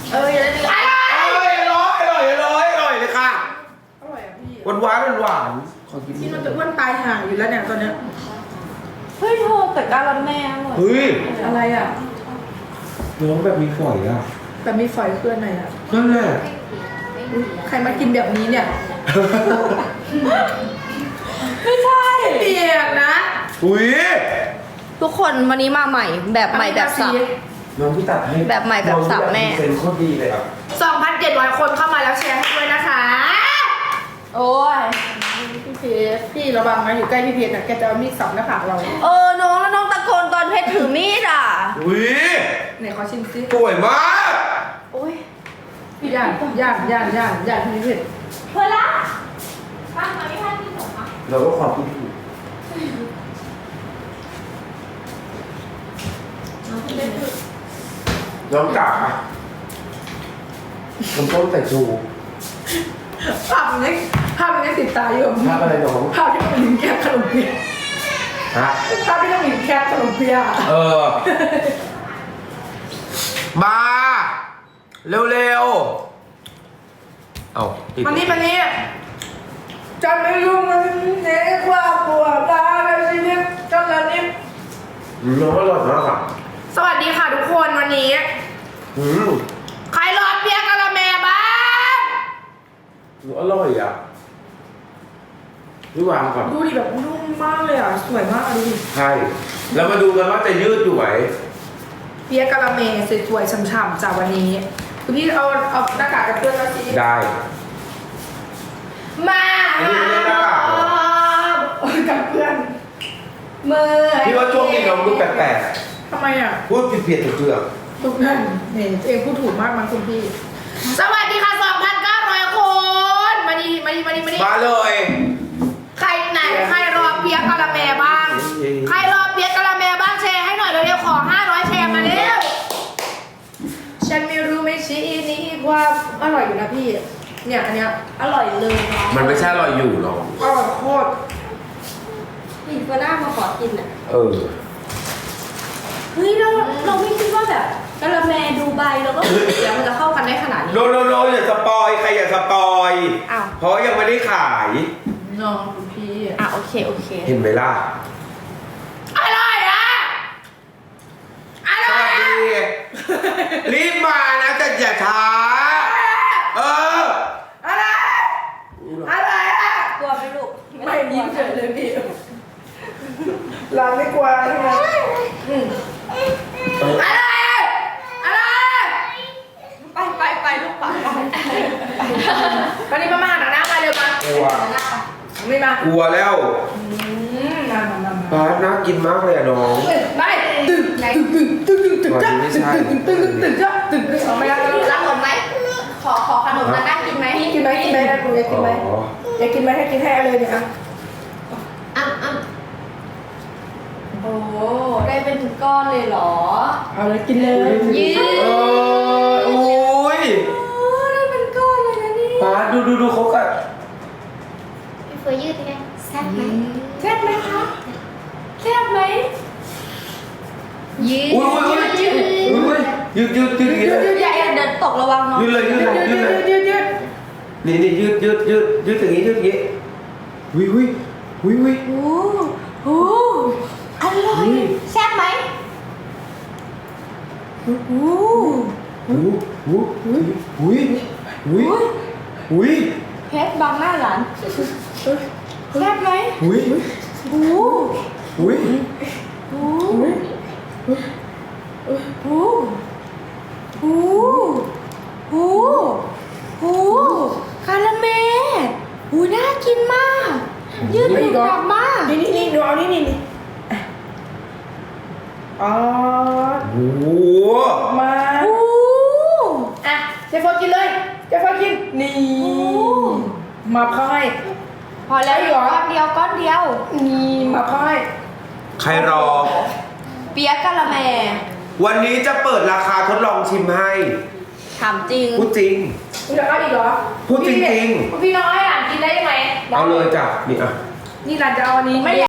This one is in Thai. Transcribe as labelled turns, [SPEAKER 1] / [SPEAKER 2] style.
[SPEAKER 1] อย่าได้เลย
[SPEAKER 2] อร่อยเลยค่ะ
[SPEAKER 1] อร่อยอ่ะพี่
[SPEAKER 2] หวานขอกิน
[SPEAKER 1] ที่มันจะอ้วนตายห่าอยู่แล้วเนี่ยตอนเนี้ย
[SPEAKER 3] เฮ้ยเธอแต่การันแม่อร่อย
[SPEAKER 2] เฮ้ย
[SPEAKER 1] อะไรอ่ะ
[SPEAKER 2] น้องแบบมีฝอยอ่ะ
[SPEAKER 1] แต่มีฝอยเพื่อนไหนอ่ะ
[SPEAKER 2] นั่นแหละ
[SPEAKER 1] ใครมากินแบบนี้เนี่ย
[SPEAKER 3] ไม่ใช่
[SPEAKER 1] เปียกนะ
[SPEAKER 2] อุ้ย
[SPEAKER 3] ทุกคนวันนี้มาใหม่แบบใหม่แบบสับ
[SPEAKER 2] น้องพี่ตัดให้
[SPEAKER 3] แบบใหม่แบบสับแม่
[SPEAKER 2] เป็นโคตรดีเลยอ่ะ
[SPEAKER 1] 2,700 คนเข้ามาแล้วแชร์ให้ด้วยนะคะ
[SPEAKER 3] โอ้ย
[SPEAKER 1] พี่เพชรพี่ระวังนะอยู่ใกล้พี่เพชรนะแกจะเอามีดสับหน้าผากเรา
[SPEAKER 3] น้องแล้วน้องตะโกนตอนเพชรถือมีดอ่ะ
[SPEAKER 2] อุ้ย
[SPEAKER 1] ไหนขอชิมซิ
[SPEAKER 2] สวยมาก
[SPEAKER 3] โอ้ย
[SPEAKER 1] ย่านพี่เพชร
[SPEAKER 3] เพื่อนละป้ามาไม่ทันที่หนูคะ
[SPEAKER 2] เราก็ความคิดถูกน้องจ๋าผมต้มแต่ชู
[SPEAKER 1] ภาพมันยังติดตาอยู่
[SPEAKER 2] ภาพอะไรน้อง
[SPEAKER 1] ภาพที่น้องหลินแคบขนมเปี๊ยะ
[SPEAKER 2] ฮะ
[SPEAKER 1] ภาพที่น้องหลินแคบขนมเปี๊ยะ
[SPEAKER 2] มาเร็วๆเอาติด
[SPEAKER 1] มันนี่จะไม่รู้มันเน็กว่าปวดตาเลยชีวิตจนละนิด
[SPEAKER 2] น้องอร่อยมากอ่ะ
[SPEAKER 1] สวัสดีค่ะทุกคนวันนี้
[SPEAKER 2] อืม
[SPEAKER 1] ใครรอเปี๊ยกกะละแมบ้าง
[SPEAKER 2] อร่อยอ่ะนี่วางก่อน
[SPEAKER 1] ดูดิแบบนุ่มมากเลยอ่ะสวยมากอ่ะดูดิ
[SPEAKER 2] ใช่แล้วมาดูกันว่าจะยืดอยู่ไหม
[SPEAKER 1] เปี๊ยกกะละแมสวยๆฉ่ำๆจากวันนี้คุณพี่เอาหน้ากากกับเพื่อนมาสิ
[SPEAKER 2] ได้
[SPEAKER 1] มา
[SPEAKER 2] อันนี้ไม่ได้หน้ากากเหรอ
[SPEAKER 1] กับเพื่อนมือ
[SPEAKER 2] พี่ว่าช่วงนี้น้องดูแปลก
[SPEAKER 1] ทำไมอ่ะ
[SPEAKER 2] ๆพูดผิดๆถูก
[SPEAKER 1] ทุกท่านเนี่ยเองพูดถูกมากมั้งคุณพี่ สวัสดีค่ะ 2,900 คนมาดี
[SPEAKER 2] มาเลย
[SPEAKER 1] ใครไหนใครรอเปี๊ยกกะละแมบ้าง ใครรอเปี๊ยกกะละแมบ้างแชร์ให้หน่อยเร็วๆขอ500แชร์มาเร็วฉันไม่รู้ไม่ชี้นี้ความอร่อยอยู่นะพี่เนี่ยอันเนี้ย
[SPEAKER 3] อร่อยเลยเนาะ
[SPEAKER 2] มันไม่ใช่อร่อยอยู่หรอก
[SPEAKER 1] อร่อยโคตร
[SPEAKER 3] นี่เฟอร์น่ามาขอกินอ่ะ
[SPEAKER 2] เออ
[SPEAKER 3] เฮ้ยเราไม่คิดว่าแบบกะละแมดูไบแล้วก็เดี๋ยวมันจะเข้ากันได้ขนาดนี้
[SPEAKER 2] โนอย่าสปอยใครอย่าสปอย
[SPEAKER 3] อ้าว
[SPEAKER 2] เพราะยังไม่ได้ขาย
[SPEAKER 1] น้องคุณพี่
[SPEAKER 3] โอเค
[SPEAKER 2] เห็นไหมล่ะ
[SPEAKER 1] อร่อยอ่ะอ
[SPEAKER 2] ส
[SPEAKER 1] ร่อย
[SPEAKER 2] วัส
[SPEAKER 1] อ่ะ
[SPEAKER 2] ดีรีบมานะแต่อย่าช้าเออ
[SPEAKER 1] อะไรอะไรอ่ะ
[SPEAKER 3] กลัวไหมลูก
[SPEAKER 1] ไม่ยิ้มเฉยเลยพี่เราไม่กลัวใช่ไหมอะไรอะไร
[SPEAKER 3] ไปลูกไป
[SPEAKER 1] วันนี้มาหาหน้ามาเร็วมาก
[SPEAKER 2] ลัว
[SPEAKER 1] ไม่มาก
[SPEAKER 2] ลัวแล้ว
[SPEAKER 1] มา
[SPEAKER 2] ปาดน่ากินมากเลยอะน้อง
[SPEAKER 1] ไปตึกจ้ะเอาไม่ได้
[SPEAKER 3] รับผมไหมขอขนมมานั่งกินไหม
[SPEAKER 1] กินไหมอยากกินไหมอยากกินไหมให้กินให้เลยเนี่ย
[SPEAKER 3] โอ้ได้เป็นก้อนเลยเหรอ
[SPEAKER 1] เอาเลยกินเลย
[SPEAKER 3] ยืด
[SPEAKER 2] โอ้ย
[SPEAKER 3] ได้เป็นก้อนเลยนะนี่
[SPEAKER 2] ปาดดูเขากัด
[SPEAKER 4] พี่เฟยยืดยังไงแซ่บไหม
[SPEAKER 3] แซ่บไหมคะแซ่บไหม
[SPEAKER 4] ยืด
[SPEAKER 2] อุ้ยยืด
[SPEAKER 3] อย่าเดินตกระวังเนาะ
[SPEAKER 2] ยืดเลยนี่ยืดอย่างนี้อย่างนี้อุ้ย
[SPEAKER 3] โอ้อร่อยแซ่บไหมโอ้
[SPEAKER 2] อุ้ย
[SPEAKER 3] เพชรบังหน้าหลานแซ่บไหม
[SPEAKER 2] อุ้ย
[SPEAKER 3] โอ้
[SPEAKER 2] อุ้ย
[SPEAKER 3] โอ้โอ้โอ้โอ้โอ้คาราเมลโอ้น่ากินมากยืดหยุ่นกลับมาก
[SPEAKER 1] นี่ดูเอานี่อ๋อ
[SPEAKER 2] โอ้
[SPEAKER 1] มา
[SPEAKER 3] โอ้
[SPEAKER 1] อ่ะเจฟฟกินเลยเจฟฟกินนี่มาเข้าให้
[SPEAKER 3] พอแล้วอยู่ก้อนเดียว
[SPEAKER 1] นี่มาเข้าให้
[SPEAKER 2] ใครรอ
[SPEAKER 3] เปี๊ยกกะละแม
[SPEAKER 2] วันนี้จะเปิดราคาทดลองชิมให้
[SPEAKER 3] ถามจริง
[SPEAKER 2] พูดจริง
[SPEAKER 1] คุณจะเอาอีกเหรอ
[SPEAKER 2] พูดจริง
[SPEAKER 1] คุณพี่น้อยอ่ะกินได้ไหม
[SPEAKER 2] เอาเลยจ้ะนี่อ่ะ
[SPEAKER 1] นี่หลานจะเอาอันนี้